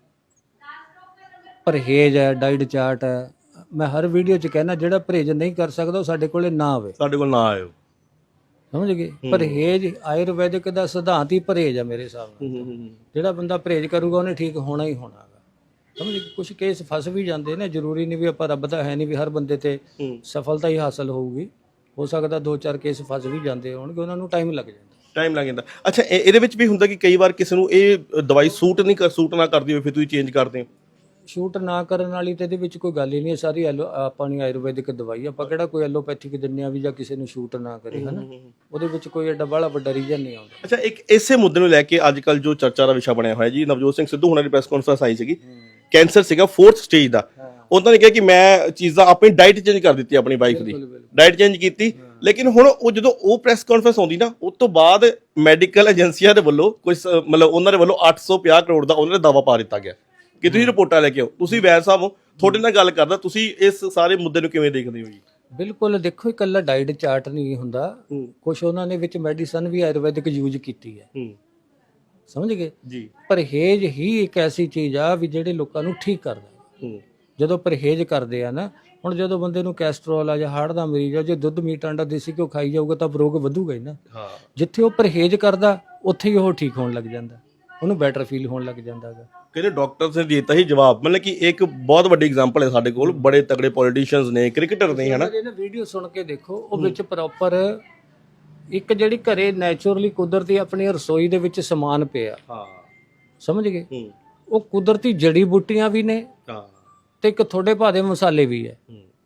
Speaker 2: ਪਰਹੇਜ਼ ਹੈ, ਡਾਈਟ ਚਾਰਟ ਹੈ। ਮੈਂ ਹਰ ਵੀਡੀਓ 'ਚ ਕਹਿਣਾ, ਜਿਹੜਾ ਪਰਹੇਜ਼ ਨਹੀਂ ਕਰ ਸਕਦਾ ਉਹ ਸਾਡੇ ਕੋਲੇ ਨਾ ਆਵੇ,
Speaker 3: ਸਾਡੇ ਕੋਲ ਨਾ ਆਇਓ।
Speaker 2: ਸਮਝ ਗਏ? ਪਰਹੇਜ਼ ਆਯੁਰਵੈਦਿਕ ਦਾ ਸਿਧਾਂਤ ਹੀ ਪਰਹੇਜ਼ ਆ ਮੇਰੇ ਹਿਸਾਬ ਨਾਲ। ਜਿਹੜਾ ਬੰਦਾ ਪਰਹੇਜ਼ ਕਰੂਗਾ ਉਹਨੇ ਠੀਕ ਹੋਣਾ ਹੀ ਹੋਣਾ। ਸਮਝ ਗਏ? ਕੁਝ ਕੇਸ ਫਸ ਵੀ ਜਾਂਦੇ ਨੇ, ਜ਼ਰੂਰੀ ਨਹੀਂ ਵੀ ਆਪਾਂ, ਰੱਬ ਦਾ ਹੈ ਨਹੀਂ ਵੀ ਹਰ ਬੰਦੇ ਤੇ ਸਫਲਤਾ ਹੀ ਹਾਸਲ ਹੋਊਗੀ। ਹੋ ਸਕਦਾ 2-4 ਕੇਸ ਫਸ ਵੀ ਜਾਂਦੇ ਹੋਣਗੇ, ਉਹਨਾਂ ਨੂੰ ਟਾਈਮ ਲੱਗ ਜਾਂਦਾ।
Speaker 3: ਅੱਛਾ, ਇਹਦੇ ਵਿੱਚ ਵੀ ਹੁੰਦਾ ਕਿ ਕਈ ਵਾਰ ਕਿਸੇ ਨੂੰ ਇਹ ਦਵਾਈ ਸੂਟ ਨਾ ਕਰਦੀ ਹੋਵੇ, ਫਿਰ ਤੁਸੀਂ ਚੇਂਜ ਕਰਦੇ ਹੋ?
Speaker 2: ਸ਼ੂਟ ਨਾ ਕਰਨ ਵਾਲੀ ਤੇ ਇਹਦੇ ਵਿੱਚ ਕੋਈ ਗੱਲ ਹੀ ਨਹੀਂ। ਸਾਰੀ ਆਪਾਂ ਨੂੰ ਆਯੁਰਵੈਦਿਕ ਦਵਾਈ, ਆਪਾਂ ਕਿਹੜਾ ਕੋਈ ਐਲੋਪੈਥਿਕ ਦਿੰਦੇ ਆ ਵੀ ਜਾਂ ਕਿਸੇ ਨੂੰ ਸ਼ੂਟ ਨਾ ਕਰੇ, ਹਨਾ। ਉਹਦੇ ਵਿੱਚ ਕੋਈ ਐਡਾ ਬੜਾ ਵੱਡਾ ਰੀਜ਼ਨ ਨਹੀਂ ਆਉਂਦਾ।
Speaker 3: ਅੱਛਾ, ਇੱਕ ਇਸੇ ਮੁੱਦੇ ਨੂੰ ਲੈ ਕੇ ਅੱਜ ਕੱਲ ਜੋ ਚਰਚਾ ਦਾ ਵਿਸ਼ਾ ਬਣਿਆ ਹੋਇਆ ਜੀ, ਨਵਜੋਤ ਸਿੰਘ ਸਿੱਧੂ ਹੁਣਾਂ ਦੀ ਪ੍ਰੈਸ ਕਾਨਫਰੰਸ ਆਈ ਸੀਗੀ, ਕੈਂਸਰ ਸੀਗਾ 4th ਸਟੇਜ ਦਾ। ਉਹਨਾਂ ਨੇ ਕਿਹਾ ਕਿ ਮੈਂ ਚੀਜ਼ਾਂ ਆਪਣੀ ਡਾਈਟ ਚੇਂਜ ਕਰ ਦਿੱਤੀ, ਆਪਣੀ ਵਾਈਫ ਦੀ ਡਾਈਟ ਚੇਂਜ ਕੀਤੀ। ਲੇਕਿਨ ਹੁਣ ਉਹ ਜਦੋਂ ਉਹ ਪ੍ਰੈਸ ਕਾਨਫਰੰਸ ਆਉਂਦੀ ਨਾ, ਉਸ ਤੋਂ ਬਾਅਦ ਮੈਡੀਕਲ ਏਜੰਸੀਆਂ ਦੇ ਵੱਲੋਂ ਕੁਝ ਮਤਲਬ ਉਹਨਾਂ ਦੇ ਵੱਲੋਂ 850 ਕਰੋੜ ਦਾ ਉਹਨਾਂ ਨੇ ਦਾਅਵਾ ਪਾ ਦਿੱਤਾ ਗਿਆ ਕਿ ਤੁਸੀਂ ਰਿਪੋਰਟਾਂ ਲੈ ਕੇ ਆਓ। ਤੁਸੀਂ ਵੈਦ ਸਾਹਿਬ ਹੋ, ਤੁਹਾਡੇ ਨਾਲ ਗੱਲ ਕਰਦਾ, ਤੁਸੀਂ ਇਸ ਸਾਰੇ ਮੁੱਦੇ ਨੂੰ ਕਿਵੇਂ ਦੇਖਦੇ ਹੋ ਜੀ?
Speaker 2: ਬਿਲਕੁਲ, ਦੇਖੋ, ਇਕੱਲਾ ਡਾਈਟ ਚਾਰਟ ਨਹੀਂ ਹੁੰਦਾ, ਕੁਝ ਉਹਨਾਂ ਨੇ ਵਿੱਚ ਮੈਡੀਸਨ ਵੀ ਆਯੁਰਵੈਦਿਕ ਯੂਜ਼ ਕੀਤੀ ਹੈ। ਸਮਝ ਗਏ ਜੀ? ਪਰਹੇਜ਼ ਹੀ ਇੱਕ ਐਸੀ ਚੀਜ਼ ਆ ਵੀ ਜਿਹੜੇ ਲੋਕਾਂ ਨੂੰ ਠੀਕ ਕਰਦਾ। ਜਦੋਂ ਪਰਹੇਜ਼ ਕਰਦੇ ਆ ਨਾ, ਹੁਣ ਜਦੋਂ ਬੰਦੇ ਨੂੰ ਕੈਸਟਰੋਲ ਆ ਜਾਂ ਹਾਰਟ ਦਾ ਮਰੀਜ਼ ਆ, ਜੇ ਦੁੱਧ ਮੀਟ ਆਂਡਾ ਦੇਸੀ ਘਿਓ ਖਾਈ ਜਾਊਗਾ ਤਾਂ ਰੋਗ ਵਧੂਗਾ ਹੀ ਨਾ। ਜਿੱਥੇ ਉਹ ਪਰਹੇਜ਼ ਕਰਦਾ ਉੱਥੇ ਹੀ ਉਹ ਠੀਕ ਹੋਣ ਲੱਗ ਜਾਂਦਾ, ਉਹਨੂੰ ਬੈਟਰ ਫੀਲ ਹੋਣ ਲੱਗ ਜਾਂਦਾ ਹੈਗਾ।
Speaker 3: ਕਹਿੰਦੇ ਡਾਕਟਰਸ ਨੇ ਦਿੱਤਾ ਹੀ ਜਵਾਬ, ਮਤਲਬ ਕਿ ਇੱਕ ਬਹੁਤ ਵੱਡੀ ਐਗਜ਼ਾਮਪਲ ਹੈ ਸਾਡੇ ਕੋਲ, ਬੜੇ ਤਗੜੇ ਪੋਲੀਟੀਸ਼ੀਅਨਸ ਨੇ, ਕ੍ਰਿਕਟਰ ਨੇ, ਹਨਾ।
Speaker 2: ਇਹਨਾਂ ਵੀਡੀਓ ਸੁਣ ਕੇ ਦੇਖੋ, ਉਹ ਵਿੱਚ ਪ੍ਰੋਪਰ ਇੱਕ ਜਿਹੜੀ ਘਰੇ ਨੈਚੁਰਲੀ ਕੁਦਰਤੀ ਆਪਣੀ ਰਸੋਈ ਦੇ ਵਿੱਚ ਸਮਾਨ ਪਿਆ, ਸਮਝ ਗਏ? ਉਹ ਕੁਦਰਤੀ ਜੜੀ ਬੂਟੀਆਂ ਵੀ ਨੇ, ਤੇ ਇੱਕ ਥੋੜੇ ਭਾਦੇ ਮਸਾਲੇ ਵੀ ਹੈ,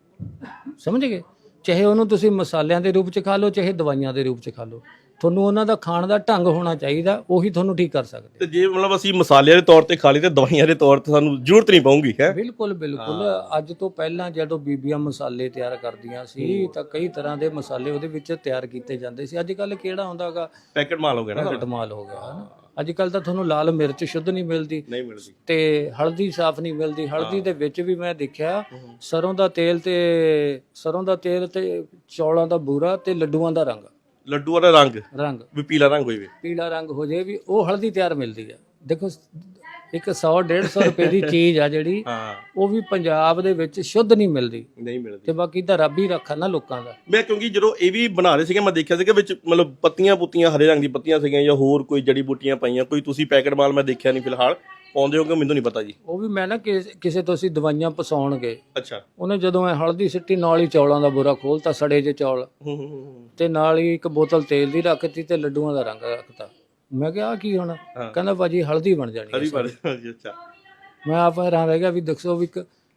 Speaker 2: ਸਮਝ ਗਏ? ਚਾਹੇ ਉਹਨੂੰ ਤੁਸੀਂ ਮਸਾਲਿਆਂ ਦੇ ਰੂਪ 'ਚ ਖਾ ਲਓ, ਚਾਹੇ ਦਵਾਈਆਂ ਦੇ ਰੂਪ 'ਚ ਖਾ ਲਓ, ਤੁਹਾਨੂੰ ਉਹਨਾਂ ਦਾ ਖਾਣ ਦਾ ਢੰਗ ਹੋਣਾ ਚਾਹੀਦਾ, ਉਹੀ ਤੁਹਾਨੂੰ ਠੀਕ ਕਰ ਸਕਦੇ।
Speaker 3: ਤੇ ਜੇ ਮਤਲਬ ਅਸੀਂ ਮਸਾਲਿਆਂ ਦੇ ਤੌਰ ਤੇ ਖਾ ਲਈ ਤੇ ਦਵਾਈਆਂ ਦੇ ਤੌਰ ਤੇ ਸਾਨੂੰ ਜ਼ਰੂਰਤ ਨਹੀਂ ਪਊਗੀ, ਹੈ?
Speaker 2: ਬਿਲਕੁਲ ਬਿਲਕੁਲ। ਅੱਜ ਤੋਂ ਪਹਿਲਾਂ ਜਦੋਂ ਬੀਬੀਆਂ ਮਸਾਲੇ ਤਿਆਰ ਕਰਦੀਆਂ ਸੀ ਤਾਂ ਕਈ ਤਰ੍ਹਾਂ ਦੇ ਮਸਾਲੇ ਉਹਦੇ ਵਿੱਚ ਤਿਆਰ ਕੀਤੇ ਜਾਂਦੇ ਸੀ। ਅੱਜ ਕੱਲ ਕਿਹੜਾ ਹੁੰਦਾ ਹੈਗਾ,
Speaker 3: ਪੈਕਟ ਮਾਲ ਹੋ ਗਿਆ ਨਾ,
Speaker 2: ਪੈਕਟ ਮਾਲ ਹੋ ਗਿਆ, ਹਨਾ। ਅੱਜ ਕੱਲ ਤਾਂ ਤੁਹਾਨੂੰ ਲਾਲ ਮਿਰਚ ਸ਼ੁੱਧ ਨਹੀਂ ਮਿਲਦੀ, ਤੇ ਹਲਦੀ ਸਾਫ਼ ਨਹੀਂ ਮਿਲਦੀ। ਹਲਦੀ ਦੇ ਵਿੱਚ ਵੀ ਮੈਂ ਦੇਖਿਆ ਸਰੋਂ ਦਾ ਤੇਲ ਤੇ ਚੌਲਾਂ ਦਾ ਬੂਰਾ ਤੇ ਲੱਡੂਆਂ ਦਾ ਰੰਗ
Speaker 3: ਵੀ ਪੀਲਾ ਰੰਗ ਹੋਵੇ,
Speaker 2: ਪੀਲਾ ਰੰਗ ਹੋ ਜਾਏ ਵੀ ਉਹ ਹਲਦੀ ਤਿਆਰ ਮਿਲਦੀ ਹੈ। ਦੇਖੋ, ਇੱਕ 100-150 ਰੁਪਏ ਦੀ ਚੀਜ਼ ਆ ਜਿਹੜੀ
Speaker 3: ਹਾਂ
Speaker 2: ਉਹ ਵੀ ਪੰਜਾਬ ਦੇ ਵਿੱਚ ਸ਼ੁੱਧ ਨਹੀਂ ਮਿਲਦੀ,
Speaker 3: ਨਹੀਂ ਮਿਲਦੀ।
Speaker 2: ਤੇ ਬਾਕੀ ਤਾਂ ਰੱਬ ਹੀ ਰੱਖਾ ਨਾ ਲੋਕਾਂ ਦਾ।
Speaker 3: ਮੈਂ ਕਿਉਂਕਿ ਜਦੋਂ ਇਹ ਵੀ ਬਣਾ ਰਹੇ ਸੀਗੇ ਮੈਂ ਦੇਖਿਆ ਸੀਗਾ ਵਿੱਚ ਮਤਲਬ ਪੱਤੀਆਂ ਪੁੱਤੀਆਂ ਹਰੇ ਰੰਗ ਦੀ ਪੱਤੀਆਂ ਸੀਗੀਆਂ ਜਾਂ ਹੋਰ ਕੋਈ ਜੜੀ ਬੂਟੀਆਂ ਪਾਈਆਂ, ਕੋਈ ਤੁਸੀਂ ਪੈਕਟ ਮਾਲ ਮੈਂ ਦੇਖਿਆ ਨਹੀਂ ਫਿਲਹਾਲ ਪਾਉਂਦੇ ਹੋ ਕਿ ਮੈਨੂੰ ਨਹੀਂ ਪਤਾ ਜੀ।
Speaker 2: ਉਹ ਵੀ ਮੈਂ ਨਾ ਕਿਸੇ ਤੋਂ ਅਸੀਂ ਦਵਾਈਆਂ ਪਸਾਉਣ ਗਏ,
Speaker 3: ਅੱਛਾ।
Speaker 2: ਉਹਨੇ ਜਦੋਂ ਐ ਹਲਦੀ ਸਿੱਟੀ ਨਾਲ ਹੀ ਚੌਲਾਂ ਦਾ ਬੁਰਾ ਖੋਲਤਾ, ਸੜੇ ਜੇ ਚੌਲ, ਤੇ ਨਾਲ ਹੀ ਇੱਕ ਬੋਤਲ ਤੇਲ ਦੀ ਰੱਖਤੀ ਤੇ ਲੱਡੂਆਂ ਦਾ ਰੰਗ ਰੱਖਤਾ। ਮੈਂ ਕਿਹਾ ਆਹ ਕੀ ਹੋਣਾ? ਕਹਿੰਦਾ ਭਾਜੀ ਹਲਦੀ ਬਣ ਜਾਣੀ
Speaker 3: ਹਰੀ
Speaker 2: ਹੈ।
Speaker 3: ਬਾਰੇ ਅੱਛਾ।
Speaker 2: ਮੈਂ ਆਪ ਹੈਰਾਨ ਰਹਿ ਗਿਆ ਵੀ ਦੱਸੋ ਵੀ ਇੱਕ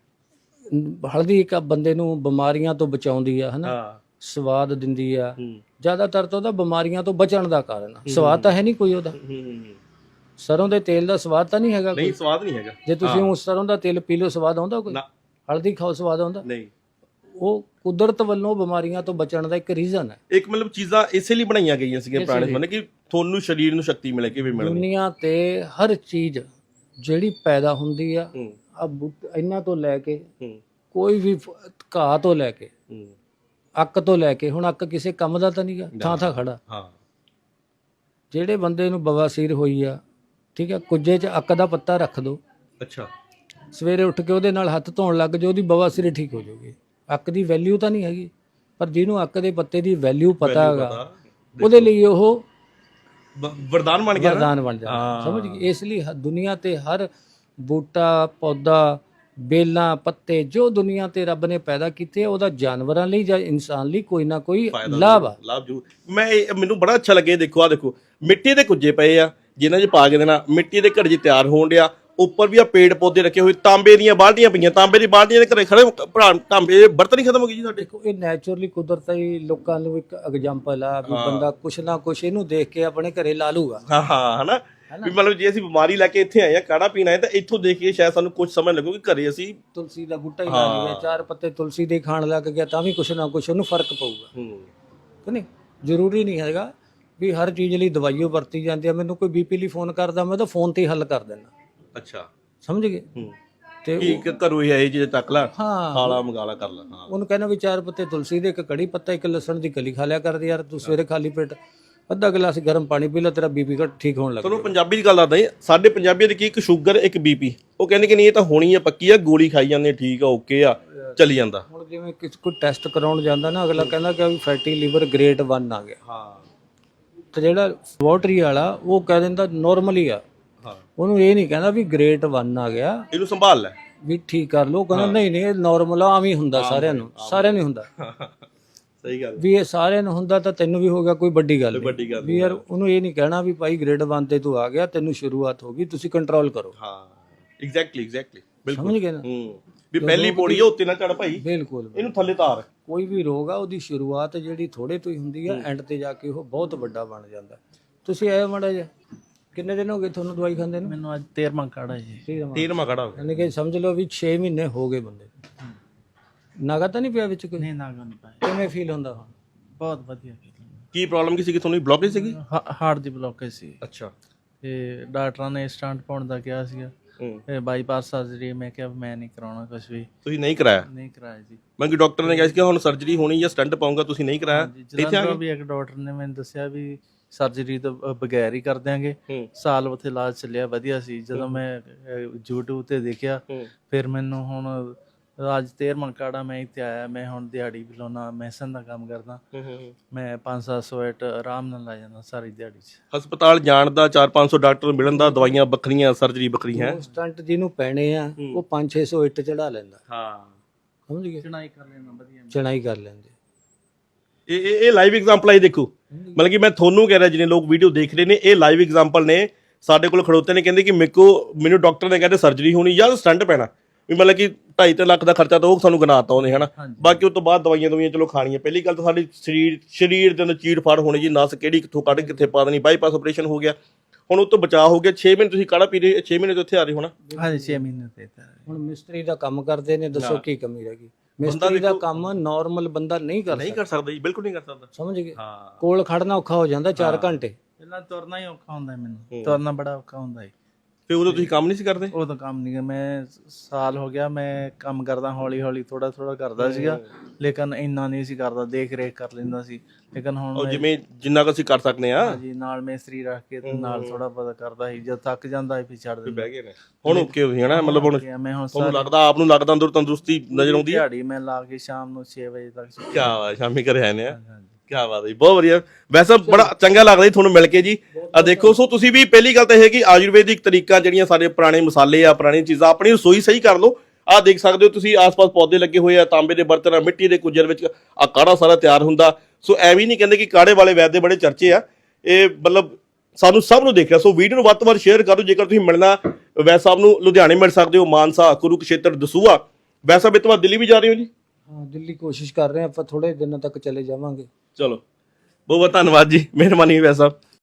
Speaker 2: ਹਲਦੀ ਇੱਕ ਬੰਦੇ ਨੂੰ ਬਿਮਾਰੀਆਂ ਤੋਂ ਬਚਾਉਂਦੀ ਆ, ਹਨਾ,
Speaker 3: ਹਾਂ
Speaker 2: ਸਵਾਦ ਦਿੰਦੀ ਆ, ਜ਼ਿਆਦਾਤਰ ਤਾਂ ਉਹਦਾ ਬਿਮਾਰੀਆਂ ਤੋਂ ਬਚਣ ਦਾ ਕਾਰਨ ਆ। ਸਵਾਦ ਤਾਂ ਹੈ ਨਹੀਂ ਕੋਈ ਉਹਦਾ, ਸਰੋਂ ਦੇ ਤੇਲ ਦਾ ਸਵਾਦ ਤਾਂ ਨਹੀਂ ਹੈਗਾ ਕੋਈ।
Speaker 3: ਨਹੀਂ ਸਵਾਦ ਨਹੀਂ ਹੈਗਾ।
Speaker 2: ਜੇ ਤੁਸੀਂ ਉਸ ਸਰੋਂ ਦਾ ਤੇਲ ਪੀ ਲਓ ਸਵਾਦ ਆਉਂਦਾ ਕੋਈ?
Speaker 3: ਨਾ।
Speaker 2: ਹਲਦੀ ਖਾਓ ਸਵਾਦ ਆਉਂਦਾ?
Speaker 3: ਨਹੀਂ।
Speaker 2: ਉਹ ਕੁਦਰਤ ਵੱਲੋਂ ਬਿਮਾਰੀਆਂ ਤੋਂ ਬਚਣ ਦਾ ਇੱਕ ਰੀਜ਼ਨ ਹੈ।
Speaker 3: ਇੱਕ ਮਤਲਬ ਚੀਜ਼ਾਂ ਇਸੇ ਲਈ ਬਣਾਈਆਂ ਗਈਆਂ ਸੀਗੀਆਂ ਪੁਰਾਣੇ ਸਮੇਂ ਕਿ ਤੁਹਾਨੂੰ ਸਰੀਰ ਨੂੰ ਸ਼ਕਤੀ ਮਿਲੇ ਕਿ ਵੀ ਮਿਲਣੀ।
Speaker 2: ਦੁਨੀਆ ਤੇ ਹਰ ਚੀਜ਼ ਜਿਹੜੀ ਪੈਦਾ ਹੁੰਦੀ ਆ ਇਹਨਾਂ ਤੋਂ ਲੈ ਕੇ ਕੋਈ ਵੀ ਘਾਹ ਤੋਂ ਲੈ ਕੇ ਅੱਕ ਤੋਂ ਲੈ ਕੇ, ਹੁਣ ਅੱਕ ਕਿਸੇ ਕੰਮ ਦਾ ਤਾਂ ਨਹੀਂਗਾ, ਥਾਂ ਥਾਂ ਖੜਾ।
Speaker 3: ਹਾਂ।
Speaker 2: ਜਿਹੜੇ ਬੰਦੇ ਨੂੰ ਬਵਾਸੀਰ ਹੋਈ ਆ, ਠੀਕ ਹੈ, ਕੁੱਜੇ 'ਚ ਅੱਕ ਦਾ ਪੱਤਾ ਰੱਖ ਦੋ,
Speaker 3: ਅੱਛਾ।
Speaker 2: ਸਵੇਰੇ ਉੱਠ ਕੇ ਉਹਦੇ ਨਾਲ ਹੱਥ ਧੋਣ ਲੱਗ ਜਾਓ, ਉਹਦੀ ਬਵਾਸੀਰ ਠੀਕ ਹੋ ਜਾਊਗੀ। ਅੱਕ ਦੀ ਵੈਲਿਊ ਤਾਂ ਨਹੀਂ ਹੈਗੀ, ਪਰ ਜਿਹਨੂੰ ਅੱਕ ਦੇ ਪੱਤੇ ਦੀ ਵੈਲਿਊ ਪਤਾ ਹੈਗਾ, ਉਹਦੇ ਲਈ ਉਹ
Speaker 3: ਵਰਦਾਨ ਬਣ ਗਿਆ,
Speaker 2: ਵਰਦਾਨ ਬਣ ਜਾਂਦਾ। ਸਮਝ ਗਏ? ਇਸ ਲਈ ਦੁਨੀਆ ਤੇ ਹਰ ਬੂਟਾ, ਪੌਦਾ, ਬੇਲਾਂ, ਪੱਤੇ ਜੋ ਦੁਨੀਆ ਤੇ ਰੱਬ ਨੇ ਪੈਦਾ ਕੀਤੇ, ਉਹਦਾ ਜਾਨਵਰਾਂ ਲਈ ਜਾਂ ਇਨਸਾਨ ਲਈ ਕੋਈ ਨਾ ਕੋਈ ਲਾਭ ਆ।
Speaker 3: ਲਾਭ ਜੂ ਮੈਂ ਮੈਨੂੰ ਬੜਾ ਅੱਛਾ ਲੱਗੇ। ਦੇਖੋ ਆ ਦੇਖੋ ਮਿੱਟੀ ਦੇ ਕੁੱਜੇ ਪਏ ਆ ਜਿਨ੍ਹਾਂ 'ਚ ਪਾ ਕੇ ਦੇਣਾ, ਮਿੱਟੀ ਦੇ ਘੜੇ 'ਚ ਤਿਆਰ ਹੋਣ ਡਿਆ। ਉੱਪਰ ਵੀ ਆ ਪੇੜ ਪੌਦੇ ਰੱਖੇ ਹੋਏ, ਤਾਂਬੇ ਦੀਆਂ ਬਾਲਟੀਆਂ ਪਈਆਂ, ਤਾਂਬੇ ਦੀ ਬਾਲਟੀਆਂ ਦੇ ਘਰੇ ਖੜੇ ਭਰਾ ਤਾਂਬੇ ਬਰਤਨ ਹੀ ਖਤਮ ਹੋ ਗਏ ਜੀ ਸਾਡੇ।
Speaker 2: ਦੇਖੋ ਇਹ ਨੈਚੁਰਲੀ ਕੁਦਰਤੀ ਲੋਕਾਂ ਨੂੰ ਇੱਕ ਐਗਜ਼ਾਮਪਲ ਆ ਵੀ ਬੰਦਾ ਕੁਛ ਨਾ ਕੁਛ ਇਹਨੂੰ ਦੇਖ ਕੇ ਆਪਣੇ ਘਰੇ ਲਾ ਲੂਗਾ।
Speaker 3: ਹਾਂ ਹਾਂ ਹਨਾ ਵੀ ਮਤਲਬ ਜੇ ਅਸੀਂ ਬਿਮਾਰੀ ਲੈ ਕੇ ਇੱਥੇ ਆਏ ਆ ਕਾੜਾ ਪੀਣਾ ਹੈ ਤਾਂ ਇੱਥੋਂ ਦੇਖ ਕੇ ਸ਼ਾਇਦ ਸਾਨੂੰ ਕੁਝ ਸਮਝ ਲੱਗੂ ਕਿ ਘਰੇ ਅਸੀਂ
Speaker 2: ਤੁਲਸੀ ਦਾ ਬੂਟਾ ਹੀ ਲਾ ਲਈਏ, 4 ਪੱਤੇ ਤੁਲਸੀ ਦੇ ਖਾਣ ਲੱਗ ਗਿਆ ਤਾਂ ਵੀ ਕੁਛ ਨਾ ਕੁਛ ਉਹਨੂੰ ਫਰਕ ਪਊਗਾ। ਕਿ ਨਹੀਂ? ਜ਼ਰੂਰੀ ਨਹੀਂ ਹੈਗਾ ਵੀ ਹਰ ਚੀਜ਼ ਲਈ ਦਵਾਈਓ ਵਰਤੀ ਜਾਂਦੀ ਆ। ਮੈਨੂੰ ਕੋਈ ਬੀਪੀ ਲਈ ਫੋਨ ਕਰਦਾ, ਮੈਂ ਤਾਂ ਫੋਨ ਤੇ ਹੀ ਹੱਲ ਕਰ ਦਿੰਦਾ।
Speaker 3: ਅੱਛਾ।
Speaker 2: ਸਮਝ ਗਏ? ਤੇ
Speaker 3: ਕੀ ਘਰੋਂ ਹੀ ਆਏ ਜੇ ਤੱਕ ਲਾ
Speaker 2: ਹਾਂ
Speaker 3: ਖਾਲਾ ਮੰਗਾਲਾ ਕਰ ਲਾ। ਹਾਂ
Speaker 2: ਉਹਨੂੰ ਕਹਿੰਦਾ ਵੀ 4 ਪੱਤੇ ਤੁਲਸੀ ਦੇ, ਇੱਕ ਕੜੀ ਪੱਤਾ, ਇੱਕ ਲਸਣ ਦੀ ਕਲੀ ਖਾ ਲਿਆ ਕਰ ਯਾਰ ਤੂੰ ਸਵੇਰੇ ਖਾਲੀ ਪੇਟ, ਅੱਧਾ ਗਲਾਸ ਗਰਮ ਪਾਣੀ ਪੀ ਲੈ, ਤੇਰਾ ਬੀਪੀ ਘਟ ਠੀਕ ਹੋਣ ਲੱਗ
Speaker 3: ਤੁਹਾਨੂੰ ਪੰਜਾਬੀ ਦੀ ਗੱਲ ਦੱਸਦਾ ਜੀ। ਸਾਡੇ ਪੰਜਾਬੀਆਂ ਦੀ ਕੀ ਇੱਕ ਸ਼ੂਗਰ ਇੱਕ ਬੀਪੀ, ਉਹ ਕਹਿੰਦੇ ਕਿ ਨਹੀਂ ਇਹ ਤਾਂ ਹੋਣੀ ਆ, ਪੱਕੀ ਆ, ਗੋਲੀ ਖਾਈ ਜਾਂਦੇ, ਠੀਕ ਆ, ਓਕੇ ਆ, ਚੱਲੀ ਜਾਂਦਾ।
Speaker 2: ਹੁਣ ਜਿਵੇਂ ਕਿਸੇ ਕੋਈ ਟੈਸਟ ਕਰਾਉਣ ਜਾਂਦਾ ਨਾ, ਅਗਲਾ ਕਹਿੰਦਾ ਕਿ ਵੀ ਫੈਟੀ ਲੀਵਰ ਗ੍ਰੇਡ 1 ਆ ਗਿਆ।
Speaker 3: ਹਾਂ।
Speaker 2: ਤੇ ਜਿਹੜਾ ਲੈਬੋਰਟਰੀ ਵਾਲਾ ਉਹ ਕਹਿ ਦਿੰਦਾ ਨਾਰਮਲ ਹੀ ਆ, ਉਹਨੂੰ ਇਹ ਨਹੀਂ ਕਹਿੰਦਾ ਵੀ ਗ੍ਰੇਡ 1 ਆ ਗਿਆ,
Speaker 3: ਇਹਨੂੰ ਸੰਭਾਲ ਲੈ
Speaker 2: ਵੀ ਠੀਕ ਕਰ ਲਓ। ਕਹਿੰਦਾ ਨਹੀਂ ਨਹੀਂ ਇਹ ਨਾਰਮਲ ਆ, ਆਮ ਹੀ ਹੁੰਦਾ ਸਾਰਿਆਂ ਨੂੰ, ਸਾਰਿਆਂ ਨੂੰ ਹੁੰਦਾ।
Speaker 3: ਸਹੀ ਗੱਲ
Speaker 2: ਵੀ ਇਹ ਸਾਰਿਆਂ ਨੂੰ ਹੁੰਦਾ ਤਾਂ ਤੈਨੂੰ ਵੀ ਹੋ ਗਿਆ, ਕੋਈ ਵੱਡੀ ਗੱਲ
Speaker 3: ਵੱਡੀ
Speaker 2: ਨਹੀਂ।
Speaker 3: ਗੱਲ
Speaker 2: ਵੀ ਯਾਰ ਉਹਨੂੰ ਇਹ ਨਹੀਂ ਕਹਿਣਾ ਵੀ ਭਾਈ ਗ੍ਰੇਡ 1 ਤੇ ਤੂੰ ਆ ਗਿਆ, ਤੈਨੂੰ ਸ਼ੁਰੂਆਤ ਹੋ ਗਈ, ਤੁਸੀਂ ਕੰਟਰੋਲ ਕਰੋ।
Speaker 3: ਹਾਂ ਐਗਜ਼ੈਕਟਲੀ ਬਿਲਕੁਲ।
Speaker 2: ਸਮਝ ਗਏ ਨਾ?
Speaker 3: ਵੀ ਪਹਿਲੀ ਪੌੜੀ ਆ ਉੱਤੇ ਨਾ ਚੜ ਭਾਈ,
Speaker 2: ਬਿਲਕੁਲ।
Speaker 3: ਇਹਨੂੰ ਥੱਲੇ ਤਾਰ।
Speaker 2: ਕੋਈ ਵੀ ਰੋਗ ਆ ਉਹਦੀ ਸ਼ੁਰੂਆਤ ਜਿਹੜੀ ਥੋੜੇ ਤੋਂ ਹੀ ਹੁੰਦੀ ਆ, ਐਂਡ ਤੇ ਜਾ ਕੇ ਉਹ ਬਹੁਤ ਵੱਡਾ ਬਣ ਜਾਂਦਾ। ਤੁਸੀਂ ਆਏ ਮਾੜਾ ਜਿਹਾ, ਕਿੰਨੇ ਦਿਨ ਹੋ ਗਏ ਤੁਹਾਨੂੰ ਦਵਾਈ ਖਾਂਦੇ ਨੂੰ?
Speaker 1: ਮੈਨੂੰ ਅੱਜ 13ਵਾਂ ਕਾੜਾ ਜੀ।
Speaker 3: 13ਵਾਂ ਖੜਾ ਹੋ ਗਿਆ।
Speaker 2: ਯਾਨੀ ਕਿ ਸਮਝ ਲਓ ਵੀ 6 ਮਹੀਨੇ ਹੋ ਗਏ ਬੰਦੇ ਨੂੰ। ਨਾਗਾ ਤਾਂ ਨਹੀਂ ਪਿਆ ਵਿੱਚ ਕੋਈ?
Speaker 1: ਨਹੀਂ ਨਾਗਾ ਨਹੀਂ ਪਾਇਆ।
Speaker 2: ਕਿਵੇਂ ਫੀਲ ਹੁੰਦਾ ਹੁਣ?
Speaker 1: ਬਹੁਤ ਵਧੀਆ।
Speaker 3: ਕੀ ਪ੍ਰੋਬਲਮ ਕੀ ਸੀਗੀ ਤੁਹਾਨੂੰ? ਬਲੌਕੇਜ ਸੀਗੀ?
Speaker 1: ਹਾਰਟ ਦੀ ਬਲੌਕੇਜ ਸੀ।
Speaker 3: ਅੱਛਾ।
Speaker 1: ਤੇ ਡਾਕਟਰਾਂ ਨੇ ਸਟੰਟ ਪਾਉਣ ਦਾ ਕਿਹਾ ਸੀਗਾ, ਤੇ ਬਾਈਪਾਸ ਸਰਜਰੀ। ਮੈਂ ਕਿਹਾ ਮੈਂ ਨਹੀਂ ਕਰਾਉਣਾ ਕੁਝ ਵੀ।
Speaker 3: ਤੁਸੀਂ ਨਹੀਂ ਕਰਾਇਆ?
Speaker 1: ਨਹੀਂ ਕਰਾਇਆ ਜੀ।
Speaker 3: ਮੈਂ ਕਿ ਡਾਕਟਰ ਨੇ ਕਿਹਾ ਸੀ ਕਿ ਹੁਣ ਸਰਜਰੀ ਹੋਣੀ ਜਾਂ ਸਟੰਟ ਪਾਉਂਗਾ, ਤੁਸੀਂ ਨਹੀਂ ਕਰਾਇਆ? ਇੱਥੇ ਆ
Speaker 1: ਵੀ ਇੱਕ ਡਾਕਟਰ ਨੇ ਮੈਨੂੰ ਦੱਸਿਆ ਵੀ ਸਰਜਰੀ ਤੋਂ ਬਗੈਰ ਹੀ ਕਰ ਦਿਆਂਗੇ। ਸਾਲ ਉੱਥੇ ਇਲਾਜ ਚੱਲਿਆ, ਵਧੀਆ ਸੀ। ਜਦੋਂ ਮੈਂ YouTube ਤੇ ਦੇਖਿਆ, ਫਿਰ ਮੈਨੂੰ ਹੁਣ ਅੱਜ 13ਵਾਂ ਕਾੜਾ ਮੈਂ ਇੱਥੇ ਆਇਆ। ਮੈਂ ਹੁਣ ਦਿਹਾੜੀ ਵੀ ਲਾਉਣਾ, ਮੈਸਨ ਦਾ ਕੰਮ ਕਰਦਾ। ਮੈਂ 500-700 ਇੱਟ ਆਰਾਮ ਨਾਲ ਲਾ ਜਾਂਦਾ ਸਾਰੀ ਦਿਹਾੜੀ 'ਚ।
Speaker 3: ਹਸਪਤਾਲ ਜਾਣ ਦਾ 400-500 ਡਾਕਟਰ ਮਿਲਣ ਦਾ, ਦਵਾਈਆਂ ਵੱਖਰੀਆਂ, ਸਰਜਰੀ ਵੱਖਰੀ ਹੈ।
Speaker 2: ਸਟੰਟ ਜਿਹਨੂੰ ਪੈਣੇ ਆ ਉਹ 500-600 ਇੱਟ ਚੜਾ ਲੈਂਦਾ।
Speaker 3: ਹਾਂ
Speaker 1: ਸਮਝ ਗਏ? ਚਣਾਈ ਕਰ ਲੈਣਾ ਵਧੀਆ,
Speaker 2: ਚਣਾਈ ਕਰ ਲੈਂਦੇ।
Speaker 3: ਇਹ ਲਾਈਵ ਐਗਜ਼ਾਮਪਲ ਆਈ ਦੇਖੋ। ਮਤਲਬ ਕਿ ਮੈਂ ਤੁਹਾਨੂੰ ਕਹਿ ਰਿਹਾ, ਜਿਹਨੇ ਲੋਕ ਵੀਡੀਓ ਦੇਖ ਰਹੇ ਨੇ, ਇਹ ਲਾਈਵ ਐਗਜ਼ਾਮਪਲ ਨੇ। ਸਾਡੇ ਕੋਲ ਖੜੋਤੇ ਨੇ, ਕਹਿੰਦੇ ਕਿ ਮੈਨੂੰ ਡਾਕਟਰ ਨੇ ਕਹਿੰਦੇ ਸਰਜਰੀ ਹੋਣੀ ਜਾਂ ਸਟੰਟ ਪੈਣਾ। ਵੀ ਮਤਲਬ ਕਿ 2.5 ਲੱਖ ਦਾ ਖਰਚਾ ਤਾਂ ਉਹ ਸਾਨੂੰ ਗਿਣਾਤਾ ਉਹਨੇ, ਹਨਾ। ਬਾਕੀ ਉਸ ਤੋਂ ਬਾਅਦ ਦਵਾਈਆਂ ਚਲੋ ਖਾਣੀਆਂ। ਪਹਿਲੀ ਗੱਲ ਤਾਂ ਸਾਡੀ ਸਰੀਰ ਦੇ ਅੰਦਰ ਚੀੜ ਫਾੜ ਹੋਣੀ ਜੀ, ਨਸ ਕਿਹੜੀ ਕਿੱਥੋਂ ਕੱਢ ਕਿੱਥੇ ਪਾ ਦੇਣੀ। ਬਾਈਪਾਸ ਆਪਰੇਸ਼ਨ ਹੋ ਗਿਆ, ਹੁਣ ਉਹ ਤੋਂ ਬਚਾਅ ਹੋ ਗਿਆ। 6 ਮਹੀਨੇ ਤੁਸੀਂ ਕਾੜਾ ਪੀ ਰਹੇ, 6 ਮਹੀਨੇ ਤੋਂ ਇੱਥੇ ਆ ਰਹੇ ਹੋਣਾ।
Speaker 1: ਹਾਂਜੀ 6 ਮਹੀਨੇ ਤੇ।
Speaker 2: ਹੁਣ ਮਿਸਤਰੀ ਦਾ ਕੰਮ ਕਰਦੇ ਨੇ, ਦੱਸੋ ਕੀ ਕਮੀ ਰਹਿ ਗਈ? ਮਿਸਤਰੀ ਦਾ ਕੰਮ ਨਾਰਮਲ ਬੰਦਾ ਨਹੀਂ ਕਰ
Speaker 3: ਸਕਦਾ ਜੀ, ਬਿਲਕੁਲ ਨਹੀਂ ਕਰ ਸਕਦਾ।
Speaker 2: ਸਮਝ ਗਏ? ਕੋਲ ਖੜਨਾ ਔਖਾ ਹੋ ਜਾਂਦਾ 4 ਘੰਟੇ।
Speaker 1: ਪਹਿਲਾਂ ਤੁਰਨਾ ਹੀ ਔਖਾ ਹੁੰਦਾ ਮੈਨੂੰ, ਤੁਰਨਾ ਬੜਾ ਔਖਾ ਹੁੰਦਾ ਹੈ।
Speaker 3: ਫਿਰ ਉਦੋਂ ਤੁਸੀਂ ਕੰਮ ਨਹੀਂ ਸੀ ਕਰਦੇ?
Speaker 1: ਉਹ ਤਾਂ ਕੰਮ ਨਹੀਂ, ਮੈਂ ਸਾਲ ਹੋ ਗਿਆ ਮੈਂ ਕੰਮ ਕਰਦਾ, ਹੌਲੀ ਹੌਲੀ ਥੋੜਾ ਥੋੜਾ ਕਰਦਾ ਸੀਗਾ, ਲੇਕਿਨ ਇੰਨਾ ਨਹੀਂ ਸੀ ਕਰਦਾ, ਦੇਖ ਰੇਖ ਕਰ ਲੈਂਦਾ ਸੀ। ਲੇਕਿਨ ਹੁਣ
Speaker 3: ਉਹ ਜਿਵੇਂ ਜਿੰਨਾ ਕੁ ਅਸੀਂ ਕਰ ਸਕਦੇ ਆ।
Speaker 1: ਹਾਂਜੀ, ਨਾਲ ਮਿਸਤਰੀ ਰੱਖ ਕੇ ਤੇ ਨਾਲ ਥੋੜਾ ਬਹੁਤਾ ਕਰਦਾ ਸੀ, ਜਦ ਥੱਕ ਜਾਂਦਾ ਸੀ ਫਿਰ ਛੱਡ ਦਿੰਦਾ।
Speaker 3: ਬਹਿ ਗਏ ਨੇ ਹੁਣ ਓਕੇ ਹੋ ਹਨਾ, ਮਤਲਬ ਹੁਣ
Speaker 1: ਮੈਂ ਹੁਣ
Speaker 3: ਤੁਹਾਨੂੰ ਲੱਗਦਾ, ਆਪ ਨੂੰ ਲੱਗਦਾ ਅੰਦਰ ਤੰਦਰੁਸਤੀ ਨਜ਼ਰ ਆਉਂਦੀ ਹੈ?
Speaker 1: ਦਿਹਾੜੀ ਮੈਂ ਲਾ ਕੇ ਸ਼ਾਮ ਨੂੰ 6 ਵਜੇ ਤੱਕ
Speaker 3: ਕੀ ਬਾਤ, ਸ਼ਾਮੀ ਘਰੇ ਆਏ ਨੇ। ਕੀ ਬਾਤ ਹੈ ਜੀ, ਬਹੁਤ ਵਧੀਆ। ਵੈਸੇ ਬੜਾ ਚੰਗਾ ਲੱਗਦਾ ਜੀ ਤੁਹਾਨੂੰ ਮਿਲ ਕੇ ਜੀ। ਆ ਦੇਖੋ, ਸੋ ਤੁਸੀਂ ਵੀ ਪਹਿਲੀ ਗੱਲ ਤਾਂ ਇਹ ਕਿ ਆਯੁਰਵੈਦਿਕ ਤਰੀਕਾ ਜਿਹੜੀਆਂ ਸਾਡੇ ਪੁਰਾਣੇ ਮਸਾਲੇ ਆ, ਪੁਰਾਣੀਆਂ ਚੀਜ਼ਾਂ, ਆਪਣੀ ਰਸੋਈ ਸਹੀ ਕਰ ਲਓ। ਆਹ ਦੇਖ ਸਕਦੇ ਹੋ ਤੁਸੀਂ, ਆਸ-ਪਾਸ ਪੌਦੇ ਲੱਗੇ ਹੋਏ ਆ, ਤਾਂਬੇ ਦੇ ਬਰਤਨ, ਮਿੱਟੀ ਦੇ ਕੁੱਜਰ ਵਿੱਚ ਆ ਕਾੜਾ ਸਾਰਾ ਤਿਆਰ ਹੁੰਦਾ। ਸੋ ਐਵੇਂ ਨਹੀਂ ਕਹਿੰਦੇ ਕਿ ਕਾੜੇ ਵਾਲੇ ਵੈਦ ਦੇ ਬੜੇ ਚਰਚੇ ਆ, ਇਹ ਮਤਲਬ ਸਾਨੂੰ ਸਭ ਨੂੰ ਦੇਖਿਆ। ਸੋ ਵੀਡੀਓ ਨੂੰ ਵੱਧ ਤੋਂ ਵੱਧ ਸ਼ੇਅਰ ਕਰੋ। ਜੇਕਰ ਤੁਸੀਂ ਮਿਲਣਾ ਵੈਦ ਸਾਹਿਬ ਨੂੰ, ਲੁਧਿਆਣੇ ਮਿਲ ਸਕਦੇ ਹੋ, ਮਾਨਸਾ, ਕੁਰੂਕਸ਼ੇਤਰ, ਦਸੂਹਾ। ਵੈਦ ਸਾਹਿਬ, ਇਹ ਤੋਂ ਬਾਅਦ ਦਿੱਲੀ ਵੀ ਜਾ ਰਹੇ ਹੋ ਜੀ?
Speaker 2: ਹਾਂ, ਦਿੱਲੀ ਕੋਸ਼ਿਸ਼ ਕਰ ਰਹੇ ਹਾਂ ਆਪਾਂ, ਥੋੜੇ ਦਿਨਾਂ ਤੱਕ ਚਲੇ ਜਾਵਾਂਗੇ।
Speaker 3: ਚਲੋ, ਬਹੁਤ ਬਹੁਤ ਧੰਨਵਾਦ ਜੀ, ਮਿਹਰਬਾਨੀ ਵੈਦ ਸਾਹਿਬ।